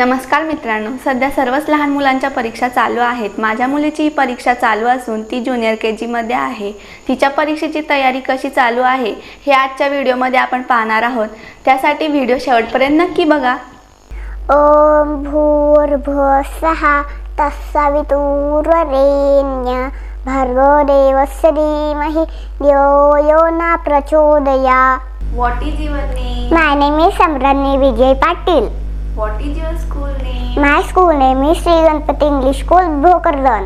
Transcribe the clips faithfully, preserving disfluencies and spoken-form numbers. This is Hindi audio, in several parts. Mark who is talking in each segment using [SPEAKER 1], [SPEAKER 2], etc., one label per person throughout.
[SPEAKER 1] नमस्कार मित्रांनो, सध्या सर्वच लहान मुलांच्या परीक्षा चालू आहेत। माझ्या मुलीची परीक्षा चालू असून ती ज्युनियर के जी मध्ये आहे। तिच्या परीक्षेची तयारी कशी चालू आहे हे आजच्या व्हिडिओमध्ये आपण पाहणार आहोत। त्यासाठी व्हिडिओ शेवटपर्यंत नक्की बघा।
[SPEAKER 2] ओम भूर्भुवस्सः तत्सवितुर्वरेण्यं भर्गो देवस्य धीमहि धियो यो न प्रचोदयात्।
[SPEAKER 1] What is your name?
[SPEAKER 2] My name is Samrani Vijay Patil.
[SPEAKER 1] What is your school name?
[SPEAKER 2] My school name is Sri Ganpati English School, Bhokardan.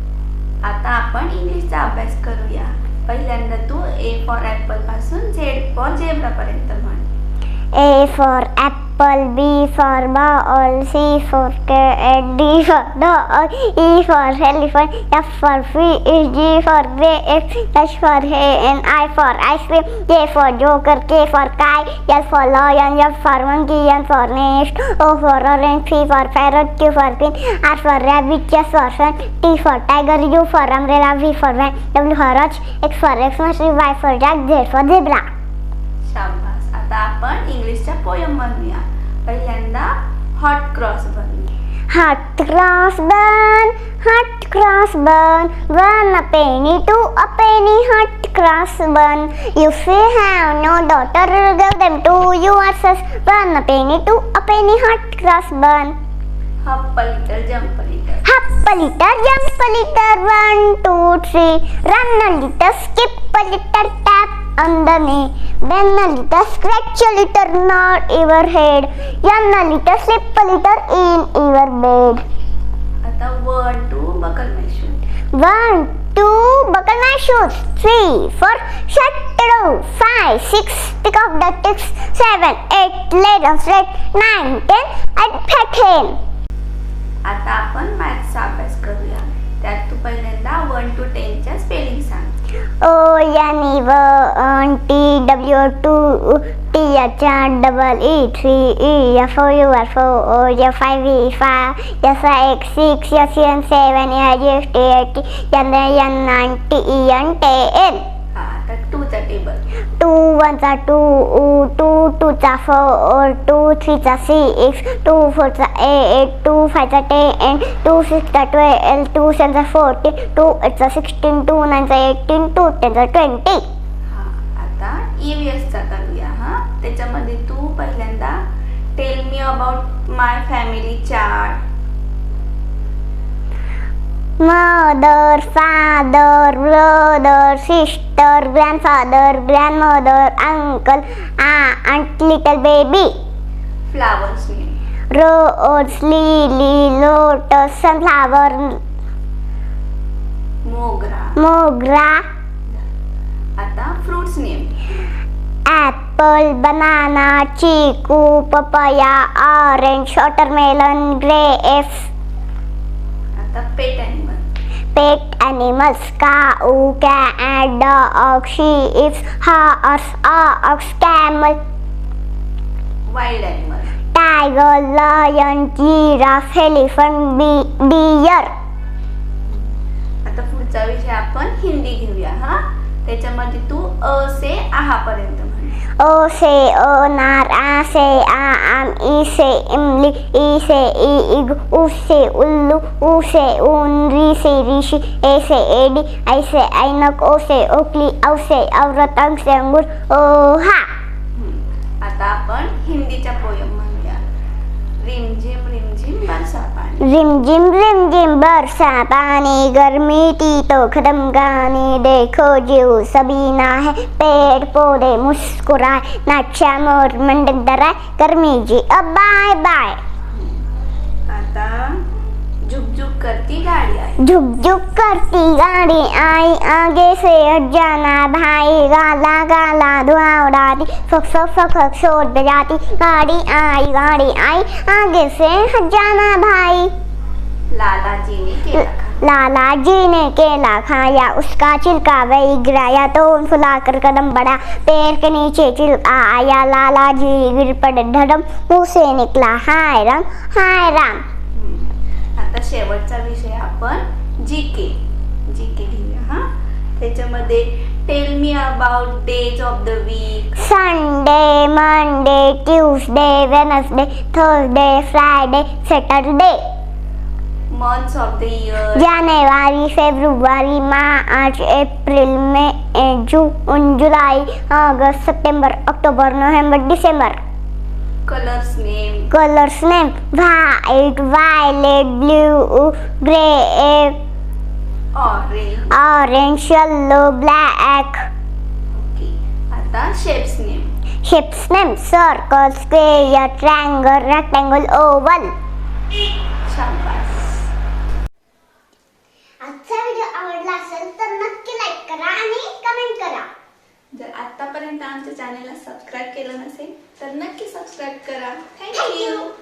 [SPEAKER 1] आता आपण इंग्लिशचा अभ्यास करूया। पहिल्यांदा तू ए फॉर ॲपल पासून झेड फॉर झेब्रा पर्यंत म्हण।
[SPEAKER 2] A for apple, B for ball, C for cat, D for dog, E for elephant, F for fish, G for grapes, H for hen, I for ice cream, J for joker, K for kite, L for lion, F for monkey, N for nest, O for orange, P for parrot, Q for pin, R for rabbit, S for sun, T for tiger, U for umbrella, V for van, W for watch, X for Xmas, Y for jack, Z for zebra.
[SPEAKER 1] शाबास। आता आपण इंग्लिशच्या पोयम बनवूया। पहिल्यांदा हॉट क्रॉस बनवूया।
[SPEAKER 2] Hot cross bun, hot cross bun, one a penny, two a penny, hot cross bun. If you have no daughter, give them to your sons. One a penny, two a penny, hot cross bun.
[SPEAKER 1] हप a little, jump a little.
[SPEAKER 2] Hop a little, jump a little, one, two, three. Run a little, skip a little, tap on the knee. Bend a little, scratch a little, nod your head. Yawn a little, slip a little in your bed.
[SPEAKER 1] आता one two buckle my shoes.
[SPEAKER 2] One, two, buckle my shoes. Three, four, shut the door. Five, six, pick up the ticks. Seven, eight, lay down straight. Nine, ten, and pat him.
[SPEAKER 1] आता आपण मॅथ्सचा अभ्यास करूया। त्यात तू पहिल्यांदा वन टू टेनच्या स्पेलिंग सांग।
[SPEAKER 2] O N E one T W two T H double E three E F O U R four O F five E five S I X six S N seven E I G H T eight N N nine T E N ten.
[SPEAKER 1] हा, आता टूचा table.
[SPEAKER 2] Two ones are two, two twos are four, two threes are six, two fours are eight, two fives are ten, two sixes are twelve, two sevens are fourteen, two eights are sixteen, two nines are eighteen, two tens are twenty.
[SPEAKER 1] हा, आता ई व्ही एसचा करूया। हा, त्याच्यामध्ये तू पहिल्यांदा tell me about my family chart.
[SPEAKER 2] Mother, father, brother, sister, grandfather, grandmother, uncle, aunt, little baby.
[SPEAKER 1] Flowers name.
[SPEAKER 2] Rose, lily, lotus, sunflower,
[SPEAKER 1] mogra.
[SPEAKER 2] mogra,
[SPEAKER 1] आता fruits name.
[SPEAKER 2] apple, banana, chiku, papaya, orange, watermelon, grapes.
[SPEAKER 1] आता pet animal.
[SPEAKER 2] Pet animals, cow, cat, dog, sheep, horse, ox, camel,
[SPEAKER 1] wild animal.
[SPEAKER 2] tiger, lion, giraffe, elephant, bee- deer.
[SPEAKER 1] आता पुढचा विषय आपण हिंदी घेऊया। हा, त्याच्यामध्ये तू अ से आहा पर्यंत म्हण।
[SPEAKER 2] O say onar, A say aam, E say imli, E say eeg, U say ullu, U say un, Ri say rishi, A say edi, I say ainak, O say okli, Au say aurat, Ang say angur, oha.
[SPEAKER 1] आता आपण हिंदीच्या पोयम म्हणूया। रिमझिम रिमझिम बरसा पाणी।
[SPEAKER 2] रिम जिम रिम जिम बरसा पानी, गर्मी थी तो खत्म गानी, देखो जीव सबीना है, पेड़ पौधे मुस्कुराए, नाचा मोर मंडक डराए, गर्मी जी अब बाय बाय.
[SPEAKER 1] आता झुक झुक करती गाड़ी आई।
[SPEAKER 2] झुक झुक करती गाड़ी आई, आगे से हट जाना भाई, गाला गाला धुआं उड़ाती, फक फक फक फक शोर बजाती, गाड़ी आई गाड़ी आई, आगे से हट जाना भाई.
[SPEAKER 1] लाला जी ने केला खाया।
[SPEAKER 2] लाला जी ने केला खाया, उसका छिलका वही गिराया, तो फुलाकर कदम बढ़ा, पैर के नीचे छिलका आया, लाला जी गिर पड़े धड़म, मुंह से निकला हाय राम हाय राम.
[SPEAKER 1] आता शेवटचा विषय आपण जी के जी के घेऊया। हा, त्याच्यामध्ये tell me about days of the week.
[SPEAKER 2] Sunday, Monday, Tuesday, Wednesday, Thursday, Friday, Saturday.
[SPEAKER 1] Months of the year.
[SPEAKER 2] January, February, March, April, May, June, July, August, September, October, November, December.
[SPEAKER 1] Colours name.
[SPEAKER 2] Colors name: white, violet, blue, gray,
[SPEAKER 1] orange.
[SPEAKER 2] orange, yellow, black.
[SPEAKER 1] Okay. आता shapes name.
[SPEAKER 2] Shapes name: circle, square, triangle, rectangle, oval.
[SPEAKER 1] शाबास.
[SPEAKER 2] आजचा व्हिडिओ आवडला असेल तर नक्की लाईक करा आणि कमेंट करा.
[SPEAKER 1] जर आतापर्यंत आमच्या चॅनलला सबस्क्राईब केलं नसेल तर नक्की सबस्क्राईब करा.
[SPEAKER 2] Thank
[SPEAKER 1] thank you.
[SPEAKER 2] you.